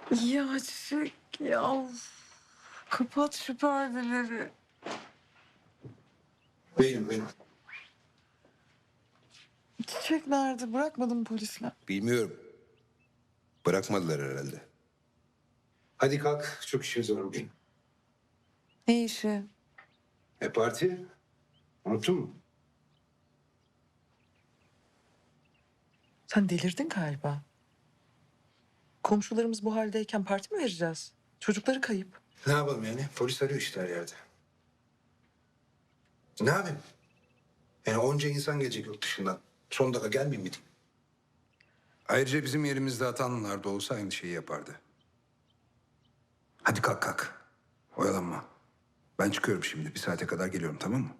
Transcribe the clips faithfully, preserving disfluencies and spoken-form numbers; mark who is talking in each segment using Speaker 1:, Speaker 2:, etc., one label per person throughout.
Speaker 1: Ya Çiçek ya. Of. Kapat şu perdeleri.
Speaker 2: Benim benim.
Speaker 1: Çiçek nerede? Bırakmadın mı polisler?
Speaker 2: Bilmiyorum. Bırakmadılar herhalde. Hadi kalk. Çok işimiz var bugün.
Speaker 1: Ne işi?
Speaker 2: E parti? Unuttun mu?
Speaker 1: Sen delirdin galiba. Komşularımız bu haldeyken parti mi vereceğiz? Çocukları kayıp.
Speaker 2: Ne yapalım yani? Polis arıyor işte her yerde. Ne yapayım? Yani onca insan gelecek yurt dışından. Son dakika gelmeyeyim mi diyeyim? Ayrıca bizim yerimizde Atanlılar da olsa aynı şeyi yapardı. Hadi kalk kalk. Oyalanma. Ben çıkıyorum şimdi. Bir saate kadar geliyorum, tamam mı?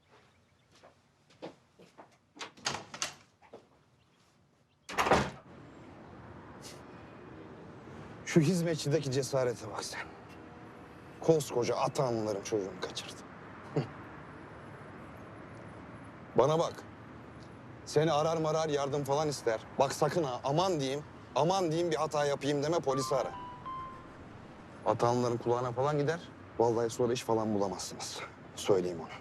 Speaker 3: Şu hizmetçideki cesarete bak sen. Koskoca Atanlıların çocuğunu kaçırdı. Hı. Bana bak. Seni arar marar yardım falan ister. Bak sakın ha aman diyeyim. Aman diyeyim bir hata yapayım deme polisi ara. Atanlıların kulağına falan gider. Vallahi sonra iş falan bulamazsınız. Söyleyeyim onu.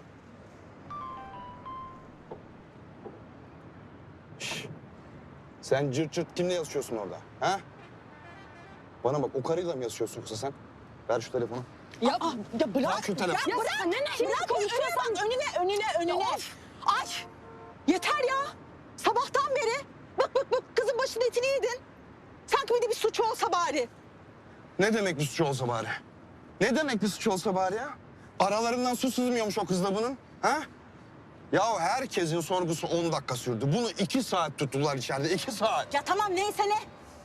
Speaker 3: Şş. Sen cırt cırt kimle yazışıyorsun orada? Ha? Bana bak o karıyla mı yazışıyorsun yoksa sen? Ver şu telefonu.
Speaker 4: Ya, aa, ya bırak.
Speaker 3: Bırak şu telefonu.
Speaker 4: Ya bırak. Ne ne? Şimdi konuşuyorsan önüne önüne önüne. Ay yeter ya. Sabahtan beri bık bık bık kızın başının etini yedin. Sanki bir de bir suç olsa bari.
Speaker 3: Ne demek bir suç olsa bari? Ne demek bir suç olsa bari ya? Aralarından su sızmıyormuş o kızla bunun. Ha? Ya herkesin sorgusu on dakika sürdü. Bunu iki saat tuttular içeride. iki saat.
Speaker 4: Ya tamam neyse ne.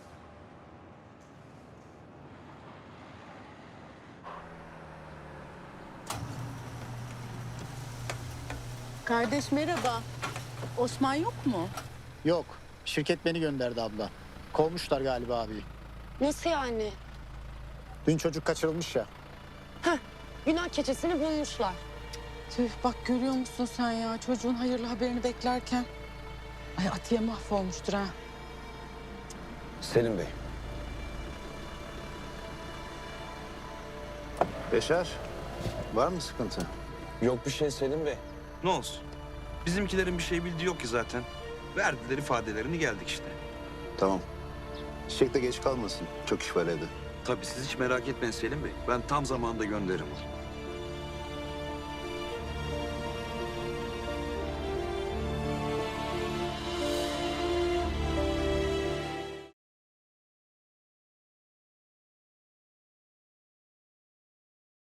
Speaker 5: Kardeş merhaba. Osman yok mu?
Speaker 6: Yok. Şirket beni gönderdi abla. Kovmuşlar galiba abi.
Speaker 7: Nasıl yani?
Speaker 6: Dün çocuk kaçırılmış ya.
Speaker 7: Günah keçesini bulmuşlar.
Speaker 5: Tüh bak görüyor musun sen ya çocuğun hayırlı haberini beklerken. Ay Atiye mahvolmuştur ha.
Speaker 3: Selim Bey.
Speaker 6: Beşer, var mı sıkıntı?
Speaker 3: Yok bir şey Selim Bey.
Speaker 8: Ne olsun? Bizimkilerin bir şey bildiği yok ki zaten. Verdiler ifadelerini geldik işte.
Speaker 6: Tamam. Çiçek de geç kalmasın. Çok iş var evde.
Speaker 8: Tabii siz hiç merak etmeyin Selim Bey. Ben tam zamanında gönderirim onu.